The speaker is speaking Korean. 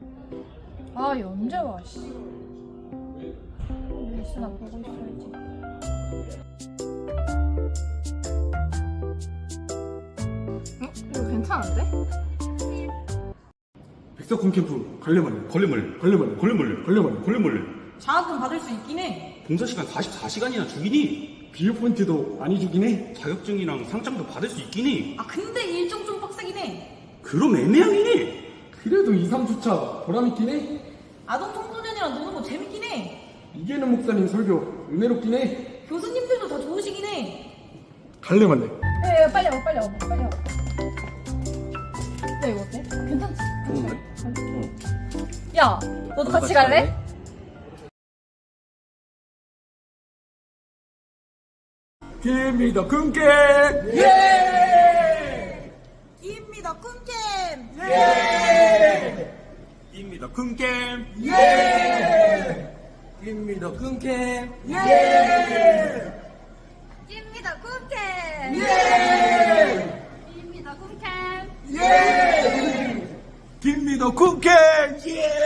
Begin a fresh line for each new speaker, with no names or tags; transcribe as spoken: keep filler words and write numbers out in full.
아, 얘 언제 와, 씨. 뉴스나 보고 있어야지. 어? 이거 괜찮은데?
백석훈 캠프 걸레멀레
걸레멀레
걸레멀레
걸레멀레
걸레멀레
걸레멀레
장학금 받을 수 있긴 해.
봉사시간 사십사 시간이나 주기니
비유 포인트도 많이 주긴 해.
자격증이랑 상장도 받을 수 있기니
아, 근데 일정 좀 빡세긴 해.
그럼 애매하기니
그래도 이, 삼 주차 보람있긴 해.
아동 청소년이랑 노는 거 재밌긴 해.
이계는 목사님 설교 은혜롭긴 해.
교수님들도 다 좋으시긴 해.
갈래말래.
야, 야, 빨리 와, 빨리 와, 빨리 와. 야, 이거 어때? 괜찮지?
좋은데?
어. 야, 너도 같이 갈래?
김미더 금게
예! 입니다, 꿀캠!
예!
입니다 금겜
예! 김미더 금게 예!
입니다, 꿀캠!
예!
입니다, 꿀캠!
예! 김미더 금게 예!